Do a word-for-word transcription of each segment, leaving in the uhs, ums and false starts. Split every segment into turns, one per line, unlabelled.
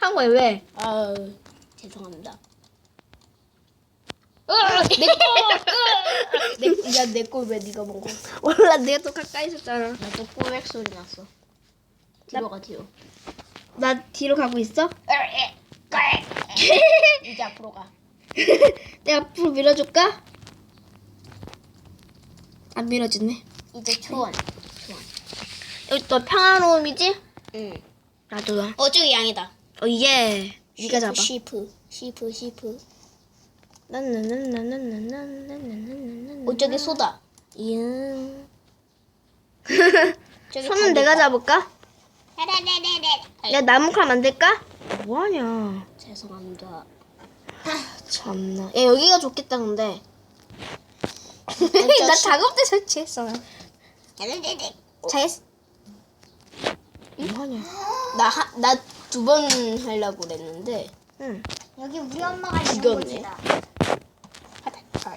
한 거야 왜?
아 죄송합니다. 내 거. 내, 야, 내 거 왜 네가 먹어?
몰라 내가 더 가까이 있었잖아.
나도 꼬맥 소리 났어. 뒤로 가 뒤로.
나 뒤로 가고 있어?
이제 앞으로 가.
내가 앞으로 밀어줄까? 안 밀어주네.
이제 초원.
여기 또 평화로움이지?
응.
나도야.
어 저기 양이다.
어 예. 네가 잡아.
시프 시프 시프.
난난난난난난난난난난난.
어 저기 소다.
이응.
저기
손은 내가 잡을까?
네
야 나무칼 만들까? 뭐하냐?
죄송합니다.
참나. 야 여기가 좋겠다 근데. 나 작업대 설치했어. 잘했어. 뭐하냐?
나나 두 번 하려고 그랬는데
응.
여기 우리 엄마가 있는
죽였네.
곳이다.
아,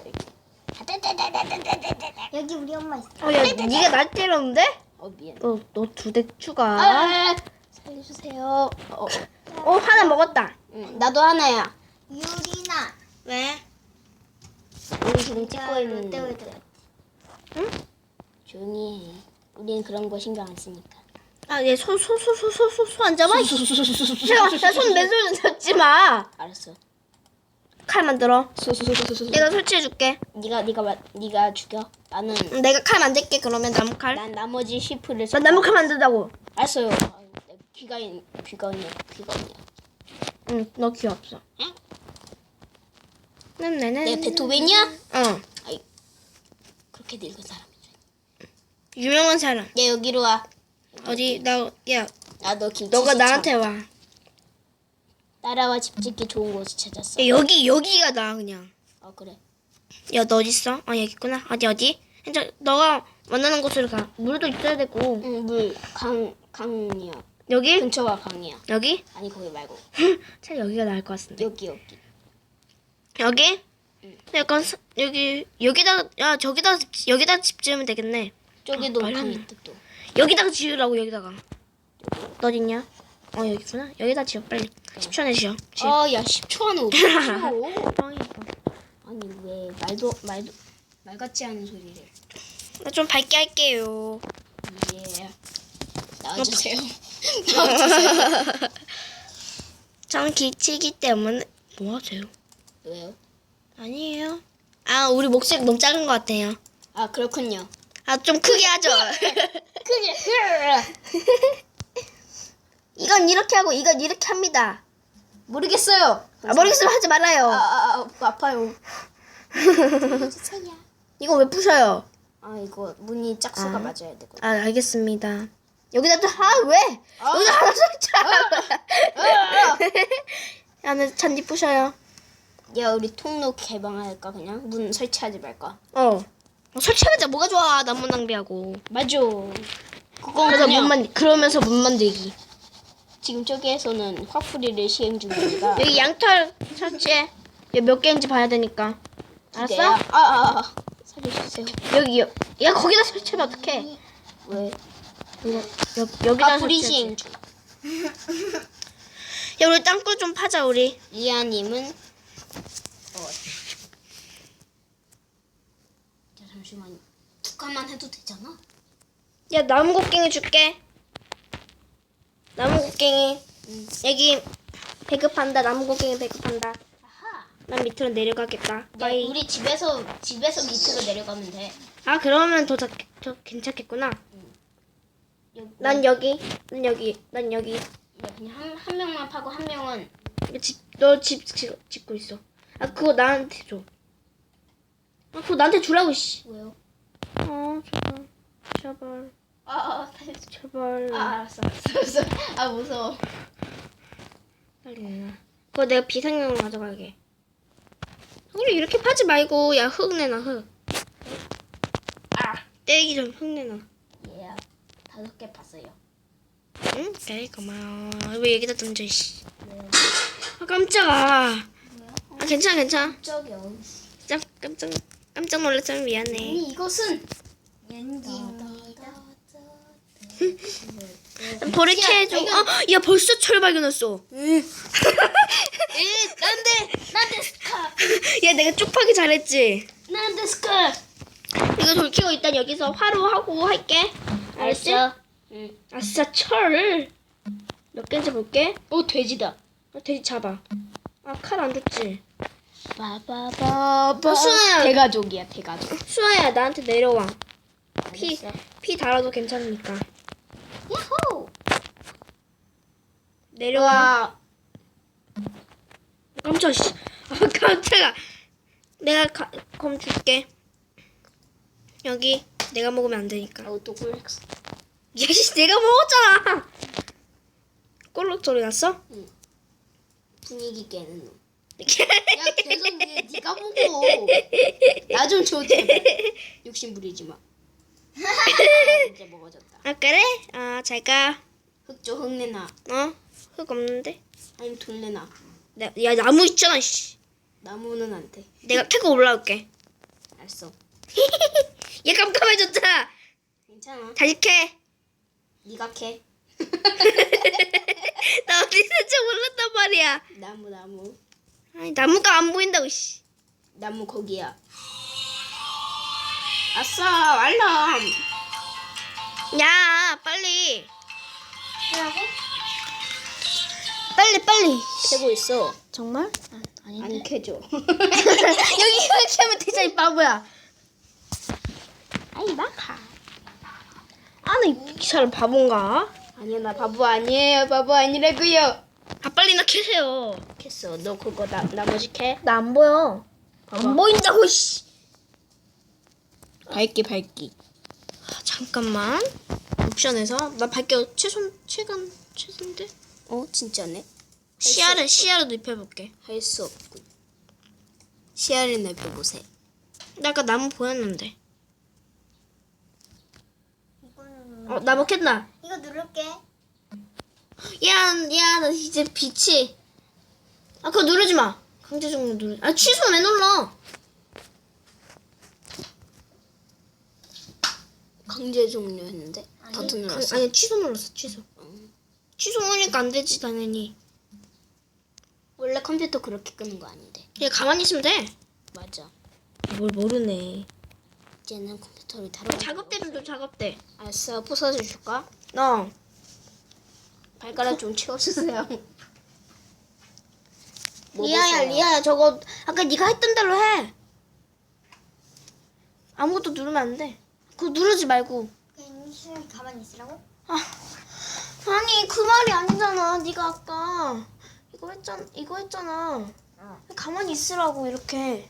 여기 우리 엄마 있어.
어, 야, 네가 날 때렸는데?
어 미안.
너, 너 두 대 추가.
아, 살려주세요. 어,
어, 하나 먹었다.
응, 나도 하나야.
유리나.
왜?
우리 지금 찍고 있는데
롯데월드.
응?
조용히 해. 우리는 그런 거 신경 안 쓰니까.
아, 얘 손, 손, 손, 손, 손, 손, 손 안 잡아? 나손 맨손 잡지 마.
알았어.
칼 만들어.
소소소소소.
내가 설치해줄게.
네가 네가 마, 네가 죽여. 나는
응, 내가 칼 만들게, 그러면 나무칼.
난 나머지 시프를.
난 나무칼 만든다고.
알았어요. 아, 귀가 있- 귀가 있냐 귀가 있냐.
응, 너 귀엽어.
응?
네네네.
내가 베토벤이야?
어.
아이 그렇게 늙은 사람이죠.
유명한 사람.
얘 여기로 와.
어디, 나, 야,
나너 김치.
너가
시청.
나한테 와.
따라와 집 짓기 좋은 곳을 찾았어.
야, 여기, 여기가 나, 그냥.
아 그래.
야, 너 어딨어? 아, 여기 있구나. 어디, 어디? 이제 너가 원하는 곳으로 가. 물도 있어야 되고.
응, 물 강 강이야.
여기?
근처가 강이야.
여기?
아니 거기 말고
차라리 여기가 나을 것 같은데.
여기 여기.
여기? 약간 사- 여기 여기다 야 저기다 집- 여기다 집 지으면 되겠네.
저기도
아,
강
말하네.
있다 또.
여기다가 지으라고 여기다가. 너 어딨냐? 어 여기 있구나. 여기다 지어 빨리. 십 초 안에 지어. 지어.
아야 십 초 안에 어떻게 지워?
뻥이야.
아니 왜 말도 말도 말 같지 않은 소리를.
나좀 밝게 할게요.
예. 나와주세요. 나와주세요.
저는 기치기 때문에 뭐 하세요?
왜요?
아니에요. 아 우리 목소리 너무 작은 것 같아요.
아 그렇군요.
아 좀 크게 하죠.
크게.
이건 이렇게 하고 이건 이렇게 합니다.
모르겠어요.
아 모르겠으면 하지 말아요.
아, 아, 아 아파요.
이거 왜 부셔요?
아 이거 문이 짝수가
아.
맞아야 되거든.
아 알겠습니다. 여기다 또 아 왜? 여기다 하나 설치하라고. 야, 나 잔디 부셔요.
야 우리 통로 개방할까 그냥 문 설치하지 말까?
어. 어, 설치하자 뭐가 좋아 나무 낭비하고.
맞아. 그건
그래서
그냥
문 만 그러면서 문 만들기.
지금 저기에서는 화풀이를 시행 중입니다.
여기 양털 설치해. 여기 몇 개인지 봐야 되니까. 알았어?
아아 아, 아. 살려주세요.
여기요. 야 거기다 설치하면 어떡해?
왜?
이거 여, 여기다
화풀이
설치해.
시행 중.
야 우리 땅굴 좀 파자 우리.
리아님은 어. 자 잠시만. 두 칸만 해도 되잖아.
야 나무 곡괭이 줄게. 나무 곡괭이.
응.
여기 배급한다. 나무 곡괭이 배급한다.
아하.
난 밑으로 내려가겠다.
야,
빠이.
우리 집에서 집에서 밑으로 내려가면 돼.
아 그러면 더, 자, 더 괜찮겠구나.
여기,
난 여기. 난 여기. 난 여기.
야, 그냥 한, 한 명만 파고 한 명은
너집 짓고 있어. 아 그거 나한테 줘. 아 그거 나한테 주라고 씨.
왜요?
어 제발. 제발.
아, 아,
제발.
아 알았어, 알았어, 알았어. 아 무서워.
빨리 내놔. 그거 내가 비상용으로 가져가게. 우리 이렇게 파지 말고 야 흙 내놔 흙.
아,
떼기 전 흙 내놔.
예, 다섯 개 봤어요.
응? 그래 고마워. 왜 여기다 던져 씨. 아 깜짝아. 아 괜찮아 괜찮아.
저기요.
깜 깜짝 깜짝 놀랐으면 미안해.
아니 이것은
연기.
버리게 해줘. 아, 야 벌써 철 발견했어.
난데 난데 스카.
야 내가 쪽파기 잘했지.
난데 스카.
이거 돌키고 일단 여기서 화로 하고 할게. 알았지?
알았어. 응.
아싸 철. 몇 개인지 볼게.
오 돼지다.
아, 돼지 잡아. 아 칼 안 줬지.
바바바바.
어, 수아야.
대가족이야 대가족.
수아야 나한테 내려와. 피,
알았어.
피 달아도 괜찮으니까.
야호.
내려와.
와.
깜짝 씨. 아 깜짝아. 내가 가, 검 줄게. 여기 내가 먹으면 안 되니까.
오토콜렉스.
야씨 내가 먹었잖아. 꼴록 소리 났어?
분위기 깨는 놈. 야 계속 왜 네가 먹어. 나 좀 줘 제발. 욕심 부리지 마. 아, 이제 먹어졌다.
아 그래? 아 잘가.
흙 줘 흙 내놔.
어? 흙 없는데?
아니면 돌 내놔.
나, 야 나무 있잖아 씨.
나무는 안 돼.
내가 캐고 올라올게.
알았어.
얘 깜깜해졌잖아.
괜찮아.
다시 캐.
네가 캐.
나 어디 있는지 몰랐단 말이야.
나무 나무.
아니 나무가 안 보인다고 씨.
나무 거기야. 아싸 알람.
야 빨리.
뭐라고?
빨리 빨리.
캐고 있어.
정말? 아,
안 캐줘.
여기 이렇게 하면 되잖아 이 바보야.
아이 마카.
아나 이 사람 바본가?
아니야 나 바보 아니에요. 바보 아니라고요.
아 빨리 나 캐세요.
캐어. 너 그거 나 나머지 캐.
나 안 보여. 안 보인다고 씨.
밝기 밝기.
아, 잠깐만. 옵션에서 나 밝게 최소 최근 최선데
어 진짜네.
시야를 시야를 입혀볼게.
할 수 없군. 시야를 넓혀보세요.
나 아까 나무 보였는데.
이거는
어 나무 캤나?
이거 누를게.
야야 나 이제 빛이. 아 그거 누르지 마. 강제 종료 누르. 아 취소 왜 눌러?
강제 종료했는데 버튼
그,
눌렀어.
아니 취소 눌렀어 취소.
응.
취소 누르니까 안 되지 당연히.
원래 컴퓨터 그렇게 끄는 거 아닌데.
그냥 가만히 있으면 돼.
맞아.
뭘 모르네.
이제는 컴퓨터를 다뤄.
작업대 좀 줘 작업대.
알았어. 부서져 줄까?
너.
발가락 좀 치워주세요. 뭐
리아야
보세요?
리아야 저거 아까 네가 했던 대로 해. 아무것도 누르면 안 돼. 그거 누르지 말고.
그냥 시간이 가만히 있으라고?
아, 아니 그 말이 아니잖아. 네가 아까 이거 했잖아. 이거 했잖아.
어.
가만히 있으라고 이렇게.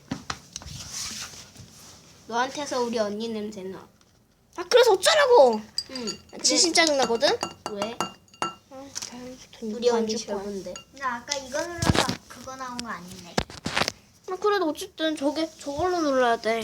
너한테서 우리 언니 냄새 나.
아 그래서 어쩌라고.
응.
진심 짜증 나거든.
왜?
아,
우리 언니 별건데.
나 아까 이거 눌러서 그거 나온 거 아닌데.
아 그래도 어쨌든 저게 저걸로 눌러야 돼.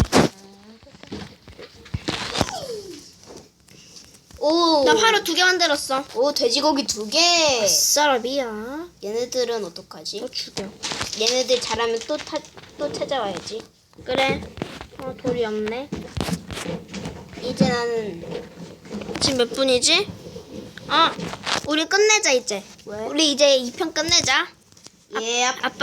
오.
나 화로 두 개 만들었어.
오 돼지고기 두 개.
쌀밥이야.
얘네들은 어떡하지?
너 죽여.
얘네들 잘하면 또 타, 또 찾아와야지.
그래. 어 돌이 없네.
이제 나는
지금 몇 분이지? 아, 우리 끝내자 이제.
왜?
우리 이제 이 편 끝내자.
예.
아빠